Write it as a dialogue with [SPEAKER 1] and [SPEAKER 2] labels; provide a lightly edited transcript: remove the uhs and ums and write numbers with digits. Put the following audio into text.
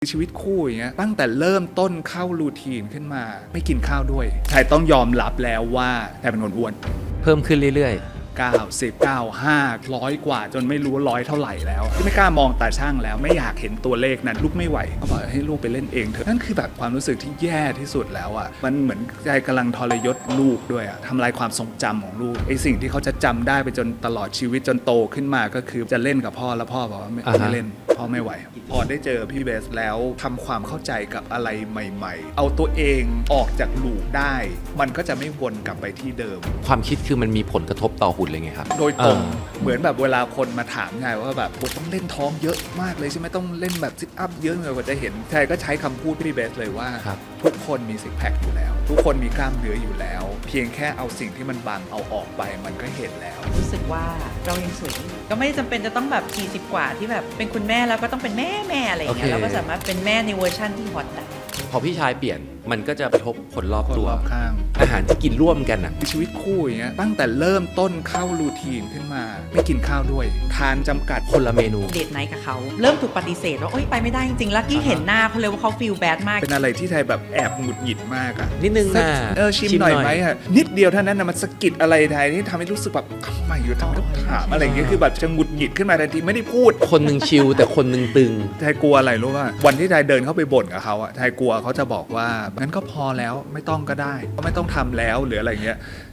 [SPEAKER 1] ชีวิตคู่อย่างเงี้ยตั้งแต่เริ่มต้นเข้ารูทีนขึ้นมาไม่กินข้าวด้วยชายต้องยอมรับแล้วว่าชายเป็นคนอ้วน
[SPEAKER 2] เพิ่มขึ้นเรื่อย
[SPEAKER 1] 90 95 100 กว่าจนไม่รู้ร้อยเท่าไหร่แล้วที่ไม่กล้ามองตาช่างแล้วไม่อยากเห็นตัวเลขนั้นลูกไม่ไหวก็บอกให้ลูกไปเล่นเองเถอะนั่นคือแบบความรู้สึกที่แย่ที่สุดแล้วอ่ะมันเหมือนใจกำลังทรยศลูกด้วยอ่ะทำลายความทรงจำของลูกไอ้สิ่งที่เขาจะจำได้ไปจนตลอดชีวิตจนโตขึ้นมาก็คือจะเล่นกับพ่อแล้วพ่อบอกว่าไม่เล่นพ่อไม่ไหวพอได้เจอพี่เบสแล้วทำความเข้าใจกับอะไรใหม่ๆเอาตัวเองออกจากลูกได้มันก็จะไม่วนกลับไปที่เดิม
[SPEAKER 2] ๆ ความคิดคือมันมีผลกระทบต่อหุ่นเลยไงครับ
[SPEAKER 1] โดยตรงเหมือนแบบเวลาคนมาถามไงว่าแบบต้องเล่นท้องเยอะมากเลยใช่ไหมต้องเล่นแบบซิทอัพเยอะเลยกว่าจะเห็นใช่ก็ใช้คำพูดพี่เบสเลยว่า
[SPEAKER 2] ครับ
[SPEAKER 1] ทุกคนมีซิกแพคอยู่แล้ว ทุกคนมีกล้ามเนื้ออยู่แล้ว เพียงแค่เอาสิ่งที่มันบังเอาออกไปมันก็เห็นแล้ว
[SPEAKER 3] รู้สึกว่าเรายังสวยอยู่ก็ไม่จำเป็นจะต้องแบบ40 กว่าที่แบบเป็นคุณแม่แล้วก็ต้องเป็นแม่อะไรอย่างเงี้ย
[SPEAKER 2] โอเค
[SPEAKER 3] เราก็สามารถเป็นแม่ในเวอร์ชั่นที่ฮอตได้
[SPEAKER 2] พอพี่ชายเปลี่ยนมันก็จะกระทบคนรอบ
[SPEAKER 1] คน
[SPEAKER 2] ตัว
[SPEAKER 1] รอบข้าง
[SPEAKER 2] อาหารที่กินร่วมกันอ่ะ
[SPEAKER 1] ชีวิตคู่อย่างเงี้ยตั้งแต่เริ่มต้นเข้ารูทีนขึ้นมาไม่กินข้าวด้วย ทานจำกัด
[SPEAKER 2] คนละเมนู
[SPEAKER 3] เดทไนท์กับเขาเริ่มถูกปฏิเสธว่าโอ๊ยไปไม่ได้จริงๆ แล้วกี้เห็นหน้าเขาเลยว่าเขาฟีลแบดมาก
[SPEAKER 1] เป็นอะไรที่ไทยแบบแอบหงุดหงิดมากอะ
[SPEAKER 2] นิดนึงนะ
[SPEAKER 1] ชิมหน่อยไหมอะนิดเดียวเท่านั้นนะมันสะกิดอะไรไทยที่ทำให้รู้สึกแบบทำไมอยู่ทำไมต้องถามอะไรอย่างเงี้ยคือแบบจะหงุดหงิดขึ้นมาทันทีไม่ได้พูด
[SPEAKER 2] คนหนึ่งชิลแต่คนหนึ่งตึง
[SPEAKER 1] ไทยกลัวอะไรรู้ป่ะวันที่ไทยเดินเข้าไปบ่นกับเขาอะไทยกลัวเขาจะบอกว่างั้นก็พอแล้วไม่ต้องก็ได้ไม่ต้องทำแล้วหรืออะไรเงี้ย